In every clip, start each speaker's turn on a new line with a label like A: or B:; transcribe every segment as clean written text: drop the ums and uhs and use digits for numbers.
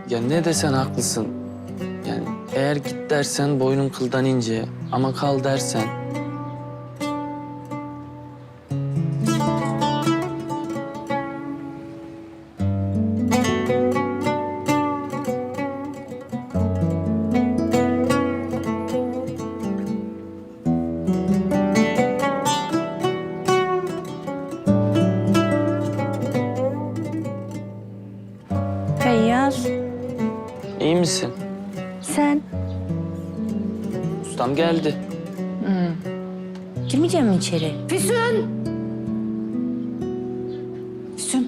A: Ya ne desen haklısın. Yani eğer git dersen boynun kıldan ince ama kal dersen...
B: Feyyaz,
A: İyi misin?
B: sen
A: Ustam geldi.
B: girmeyecek misin içeri?
C: Füsun! Füsun.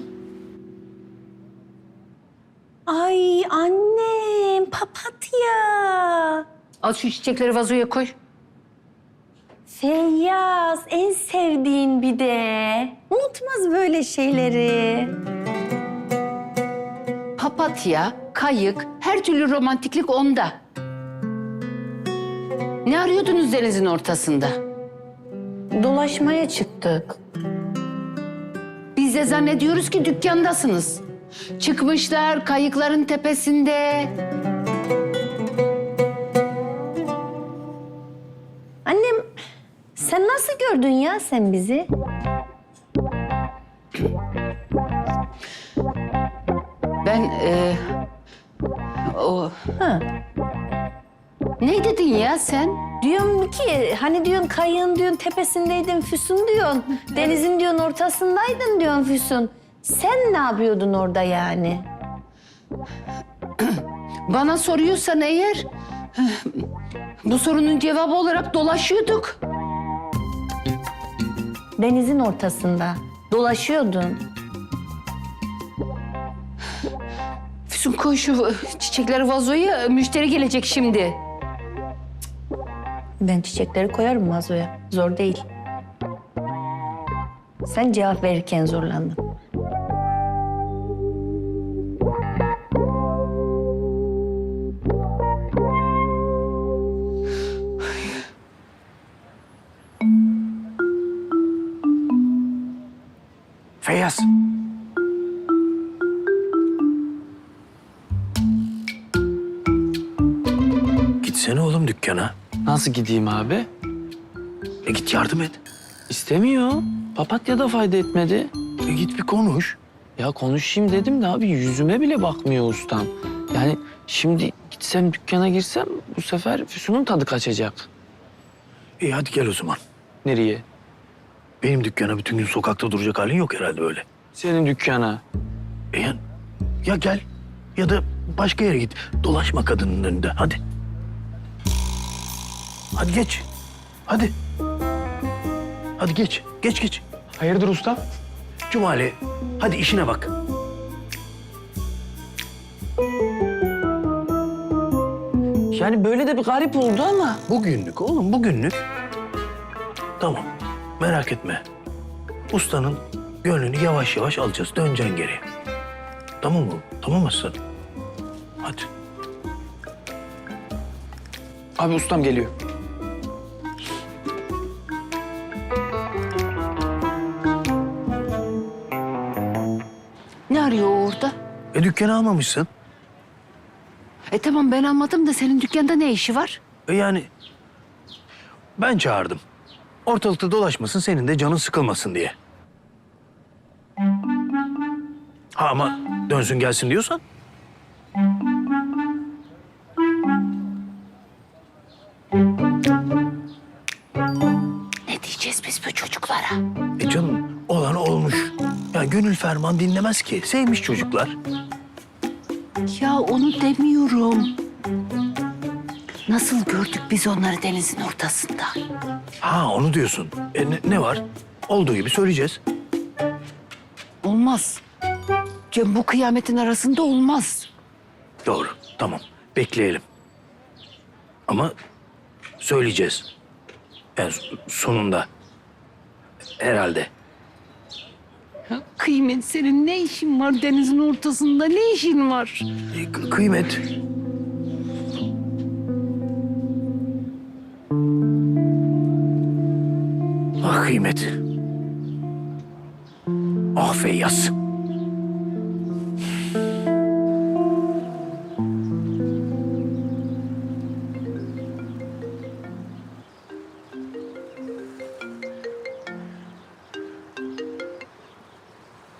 B: Ay annem, papatya.
C: Al şu çiçekleri vazoya koy.
B: Feyyaz, en sevdiğin bir de. Unutmaz böyle şeyleri.
C: Papatya, kayık, her türlü romantiklik onda. Ne arıyordunuz denizin ortasında?
B: Dolaşmaya çıktık.
C: Biz de zannediyoruz ki dükkandasınız. Çıkmışlar kayıkların tepesinde.
B: Annem, sen nasıl gördün ya sen bizi?
C: Ben o
B: Ha.
C: ne dedin ya sen?
B: Diyorum ki hani diyorsun kayığın diyorsun tepesindeydin Füsun diyorsun. Denizin diyorsun ortasındaydın diyorsun Füsun. Sen ne yapıyordun orada yani?
C: Bana soruyorsan eğer bu sorunun cevabı olarak dolaşıyorduk.
B: Denizin ortasında dolaşıyordun.
C: Füsun koy şu çiçekleri vazoya, müşteri gelecek şimdi.
B: Ben çiçekleri koyarım vazoya. Zor değil. Sen cevap verirken zorlandın.
D: Feyyaz. Gitsene oğlum dükkana.
A: Nasıl gideyim abi?
D: Git yardım et.
A: İstemiyor. Papatya da fayda etmedi.
D: Git bir konuş.
A: Ya konuşayım dedim de abi yüzüme bile bakmıyor ustam. Yani şimdi gitsem dükkana girsem bu sefer Füsun'un tadı kaçacak.
D: İyi hadi gel o zaman.
A: Nereye?
D: Benim dükkana bütün gün sokakta duracak halin yok herhalde öyle.
A: Senin dükkana.
D: Ya gel ya da başka yere git. Dolaşma kadının önünde hadi. Hadi geç. Hadi. Hadi geç. Geç.
A: Hayırdır usta?
D: Cumali hadi işine bak.
A: Yani böyle de bir garip oldu ama.
D: Bugünlük oğlum bugünlük. Tamam merak etme. Ustanın gönlünü yavaş yavaş alacağız. Döneceksin geri. Tamam mı? Tamam aslanım. Hadi.
A: Abi ustam geliyor.
C: Ne arıyor o orada?
D: Dükkanı almamışsın.
C: Tamam ben almadım da senin dükkanda ne işi var?
D: Yani ben çağırdım. Ortalıkta dolaşmasın, senin de canın sıkılmasın diye. Ha ama dönsün gelsin diyorsan.
C: Ne diyeceğiz biz bu çocuklara?
D: Canım olan olmuş. Ya gönül ferman dinlemez ki. Sevmiş çocuklar.
C: Ya onu demiyorum. Nasıl gördük biz onları denizin ortasında?
D: Ha onu diyorsun. Ne var? Olduğu gibi söyleyeceğiz.
C: Olmaz. Cem bu kıyametin arasında olmaz.
D: Doğru. Tamam. Bekleyelim. Ama söyleyeceğiz. Yani sonunda. Herhalde.
C: Kıymet senin ne işin var denizin ortasında? Ne işin var?
D: Kıymet. Ah kıymet. Ah Feyyaz.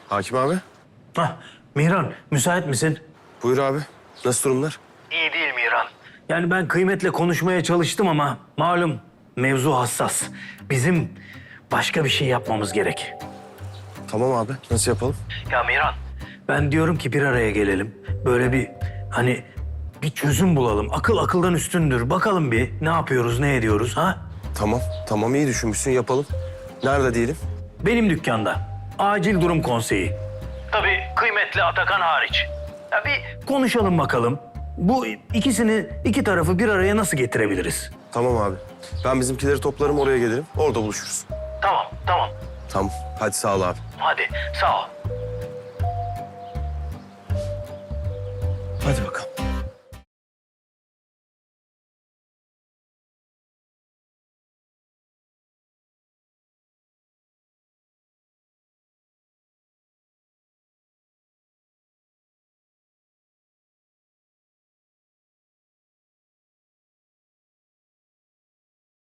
E: Hakim abi.
D: Hah, Mihran müsait misin?
E: Buyur abi. Nasıl durumlar?
D: İyi değil Mihran. Yani ben Kıymet'le konuşmaya çalıştım ama malum mevzu hassas. Bizim başka bir şey yapmamız gerek.
E: Tamam abi. Nasıl yapalım?
D: Ya Mihran, ben diyorum ki bir araya gelelim. Böyle bir hani bir çözüm bulalım. Akıl akıldan üstündür. Bakalım bir ne yapıyoruz, ne ediyoruz ha?
E: Tamam. Tamam iyi düşünmüşsün yapalım. Nerede diyelim?
D: Benim dükkanda. Acil durum konseyi. Tabii Kıymet'le Atakan hariç. Ya bir konuşalım bakalım. Bu iki tarafı bir araya nasıl getirebiliriz?
E: Tamam abi. Ben bizimkileri toplarım oraya gelirim. Orada buluşuruz.
D: Tamam, tamam.
E: Tamam. Hadi sağ ol abi.
D: Hadi, sağ ol.
E: Hadi bakalım.